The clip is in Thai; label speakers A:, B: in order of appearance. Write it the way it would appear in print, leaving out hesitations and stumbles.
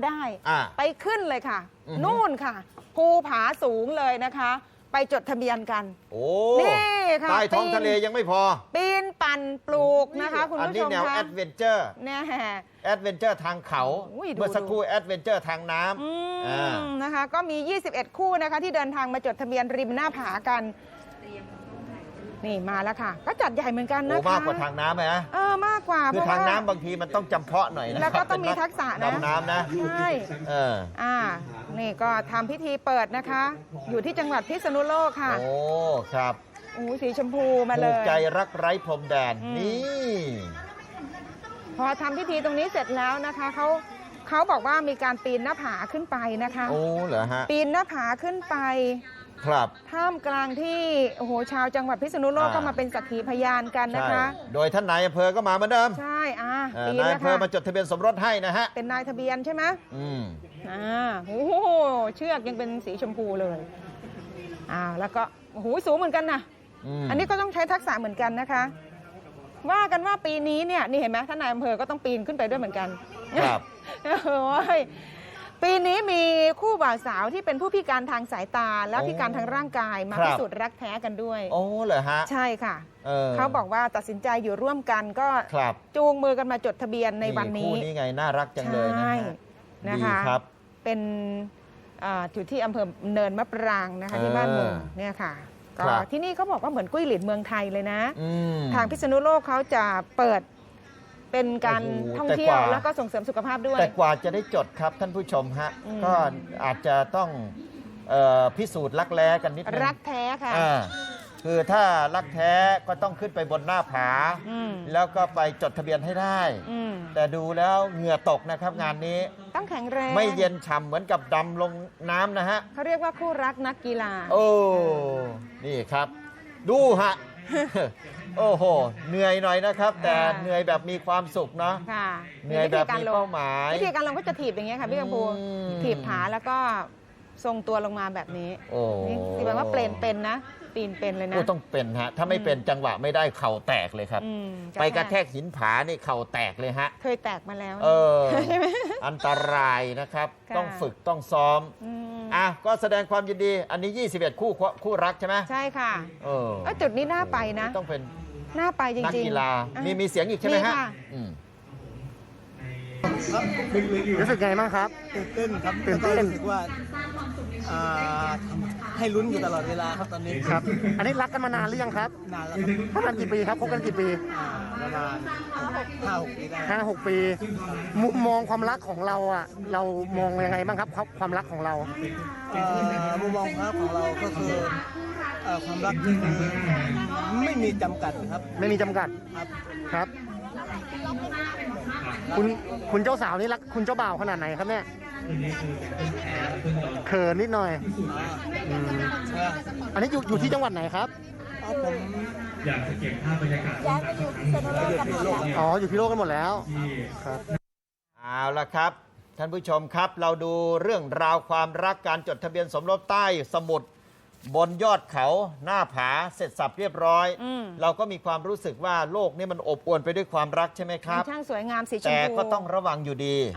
A: ได้ไปขึ้นเลยค่ะนู่นค่ะภูผาสูงเลยนะคะไปจดทะเบียนกันโอ้นี่ค่ะใต้ท้องทะเลยังไม่พอปีนปั่นปลูกนะคะคุณผู้ชมคะอันนี้แนวแอดเวนเจอร์เนี่ยแอดเวนเจอร์ทางเขาเมื่อสักครู่แอดเวนเจอร์ทางน้ำนะคะก็มี21คู่นะคะที่เดินทางมาจดทะเบียนริมหน้าผากันนี่มาแล้วค่ะก็จัดใหญ่เหมือนกันนะคะมากกว่าทางน้ำไหมนะมากกว่าคือทางน้ำบางทีมันต้องจำเพาะหน่อยนะแล้วก็ต้องมีทักษะนะดำน้ำนะใช่นี่ก็ทำพิธีเปิดนะคะอยู่ที่จังหวัดพิษณุโลกค่ะโอ้ครับโอ้สีชมพูมาเลยใจรักไร้พรมแดนนี่พอทำพิธีตรงนี้เสร็จแล้วนะคะเขาบอกว่ามีการปีนหน้าผาขึ้นไปนะคะโอ้เหรอฮะปีนหน้าผาขึ้นไปครับท่ามกลางที่โอ้โหชาวจังหวัดพิษณุโลกก็มาเป็นสักขีพยานกันนะคะโดยท่านนายอำเภอก็มาเหมือนเดิมใช่นายอำเภอมาจดทะเบียนสมรสให้นะฮะเป็นนายทะเบียนใช่ไหมโอ้โหเชือกยังเป็นสีชมพูเลยแล้วก็โอ้โหสูงเหมือนกันนะอันนี้ก็ต้องใช้ทักษะเหมือนกันนะคะว่ากันว่าปีนี้เนี่ยนี่เห็นไหมท่านนายอำเภอก็ต้องปีนขึ้นไปด้วยเหมือนกันครับปีนี้มีคู่บ่าวสาวที่เป็นผู้พิการทางสายตาและพิการทางร่างกายมาพิสูจน์รักแท้กันด้วยโอ้เหรอฮะใช่ค่ะเขาบอกว่าตัดสินใจอยู่ร่วมกันก็จูงมือกันมาจดทะเบียนในวันนี้คู่นี้ไงน่ารักจังเลยนะคะเป็นอยู่ที่อำเภอเนินมะปรางนะคะที่บ้านมุงเนี่ยค่ะก็ที่นี่เขาบอกว่าเหมือนกุ้ยหลินเมืองไทยเลยนะทางพิษณุโลกเขาจะเปิดเป็นการท่องเที่ยวแล้วก็ส่งเสริมสุขภาพด้วยแต่กว่าจะได้จดครับท่านผู้ชมฮะก็อาจจะต้องพิสูจน์รักแร้กันนิดนึงรักแท้ค่ะคือถ้ารักแท้ก็ต้องขึ้นไปบนหน้าผาแล้วก็ไปจดทะเบียนให้ได้แต่ดูแล้วเหงื่อตกนะครับงานนี้ต้องแข็งแรงไม่เย็นฉ่ำเหมือนกับดำลงน้ำนะฮะเขาเรียกว่าคู่รักนักกีฬาโอ้นี่ครับดูฮะโอ้โหเหนื่อยหน่อยนะครับแต่เหนื่อยแบบมีความสุขเนาะเหนื่อยแบบมีเป้าหมายวิธีการลงก็จะถีบอย่างเงี้ยค่ะพี่กัมพูถีบขาแล้วก็ทรงตัวลงมาแบบนี้นี่แปลว่าเป็นนะปีนเป็นเลยนะต้องเป็นฮะถ้าไม่เป็นจังหวะไม่ได้เข่าแตกเลยครับไปกระแทกหินผานี่เข่าแตกเลยฮะเคยแตกมาแล้วอันตรายนะครับต้องฝึกต้องซ้อมก็แสดงความยินดีอันนี้21คู่รักใช่ไหมใช่ค่ะจุดนี้น่าไปนะต้องเป็นน่าไปจริงๆนักกีฬามีเสียงอีกใช่ไหมฮะรู้สึกไงบ้างครับตื่นเต้นครับตื่นเต้นรู้สึกว่าให้ลุ้นอยู่ตลอดเวลาครับตอนนี้ครับอันนี้รักกันมานานหรือยังครับนานแล้วครับคบกันกี่ปีครับคบกันกี่ปีประมาณ5-6 ปีได้5-6 ปีมุมมองความรักของเราเรามองยังไงบ้างครับความรักของเรามุมมองความรักของเราก็คือความรักที่ไม่มีจำกัดครับไม่มีจำกัดครับคุณเจ้าสาวนี่รักคุณเจ้าบ่าวขนาดไหนครับเนี่ยเขินนิดหน่อยอันนี้อยู่ที่จังหวัดไหนครับผมอยากจะเก็บภาพบรรยากาศย้ายไปอยู่พิษณุโลกกันหมดแล้วอยู่พิษณุโลกกันหมดแล้วครับเอาละครับท่านผู้ชมครับเราดูเรื่องราวความรักการจดทะเบียนสมรสใต้สมุทรบนยอดเขาหน้าผาเสร็จสับเรียบร้อยเราก็มีความรู้สึกว่าโลกนี้มันอบอวลไปด้วยความรักใช่ไหมครับช่างสวยงามสีชมพูแต่ก็ต้องระวังอยู่ดี